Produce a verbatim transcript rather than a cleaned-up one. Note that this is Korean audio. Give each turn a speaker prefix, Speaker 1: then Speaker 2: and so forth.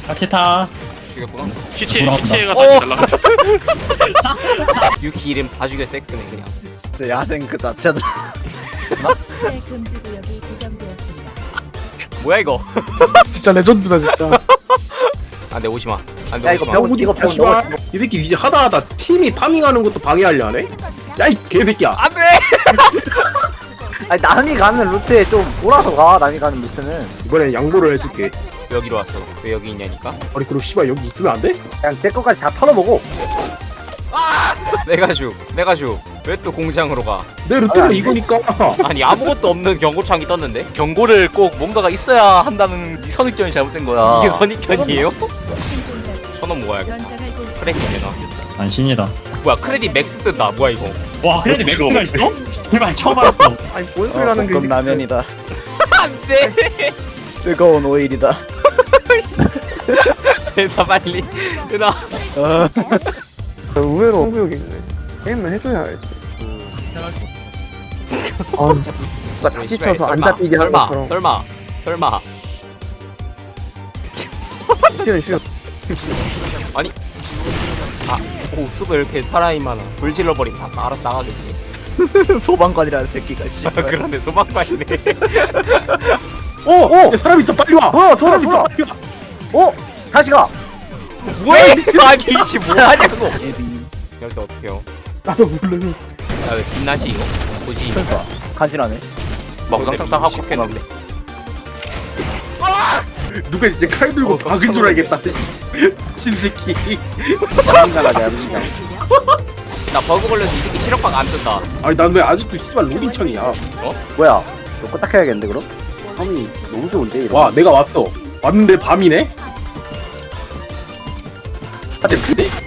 Speaker 1: 같이 타.
Speaker 2: 죽였구나.
Speaker 3: 시체
Speaker 1: 돌아온다.
Speaker 3: 시체가
Speaker 2: 어!
Speaker 3: 다시 날라가.
Speaker 2: 유키 이름 다 죽여 섹스네 그냥.
Speaker 4: 진짜 야생 그 자체다.
Speaker 5: 새 금지 구역이 지정되었습니다.
Speaker 2: 뭐야 이거?
Speaker 6: 진짜 레전드다 진짜.
Speaker 2: 안돼 오지마. 안돼
Speaker 4: 야 이거
Speaker 2: 오지마.
Speaker 4: 병 이거 병 넣어.
Speaker 6: 이 새끼 이제 하다 하다 팀이 파밍하는 것도 방해하려 하네? 야 이 개새끼야.
Speaker 2: 안돼.
Speaker 4: 아니 남이 가는 루트에 좀 돌아서 가. 남이 가는 루트는
Speaker 6: 이번엔 양보를 해줄게.
Speaker 2: 여기로 왔어. 왜 여기 있냐니까?
Speaker 6: 아니 그럼 씨발 여기 있으면 안 돼?
Speaker 4: 그냥 제 것까지 다 털어보고.
Speaker 2: 내가 죽. 내가 죽. 왜 또 공장으로 가?
Speaker 6: 내 루트는 이거니까.
Speaker 2: 아니 아무것도 없는 경고창이 떴는데?
Speaker 7: 경고를 꼭 뭔가가 있어야 한다는 이 선입견이 잘못된 거야.
Speaker 2: 이게 선입견이에요? 천원 모아야겠다.
Speaker 5: 전장할 곳
Speaker 2: 크레딧 내놔.
Speaker 1: 안신이다.
Speaker 2: 뭐야 크레딧 맥스 뜬다. 뭐야 이거?
Speaker 1: 와, 크레딧 맥스가 있어? 제발 처음 알았어.
Speaker 6: 아니 뭔 소리 하는 게.
Speaker 4: 볶음 라면이다.
Speaker 2: 안돼.
Speaker 4: 뜨거운 오일이다.
Speaker 2: 나 빨리. 누나.
Speaker 6: 의외로 한국역이네. 게임을 해줘야 알지. 아
Speaker 4: 누가 다
Speaker 2: 씨발,
Speaker 4: 지쳐서 안
Speaker 2: 설마,
Speaker 4: 잡히게 하는
Speaker 2: 설마
Speaker 4: 것처럼.
Speaker 2: 설마 설마
Speaker 6: 싫어 싫어.
Speaker 2: 아니 아오 수가 이렇게 사람이 많아. 불 질러버리면 다 알아서 나가겠지.
Speaker 4: 소방관이라는 새끼가 씨.
Speaker 2: 그러네 소방관이네.
Speaker 6: 어! 어! 야, 사람 있어 빨리 와!
Speaker 4: 돌아 돌아
Speaker 6: 사람 있어
Speaker 4: 돌아.
Speaker 6: 빨리 와!
Speaker 4: 어 다시 가.
Speaker 2: 뭐해? 아니 이씨 뭐하냐고.
Speaker 4: 에비.
Speaker 2: 열쇠 어떡해요?
Speaker 6: 나도 모르는.
Speaker 2: 야왜 빛나시 이거? 보지.
Speaker 4: 그러니까 간지나네.
Speaker 7: 막 우당탕탕 하고
Speaker 2: 싶겠는데.
Speaker 6: 누가 이제 칼 들고
Speaker 2: 어,
Speaker 6: 박은 줄 알겠다. 신새끼.
Speaker 4: 도망가자 야무지가.
Speaker 2: 나 버그 걸려서 이 새끼 실업박 안 뜬다.
Speaker 6: 아니 난 왜 아직도 씨발 로딩창이야.
Speaker 4: 뭐야? 이거 껐다 켜야겠는데 그럼? 섬이 너무 좋은데 이거.
Speaker 6: 와 내가 왔어. 왔는데 밤이네? 아 근데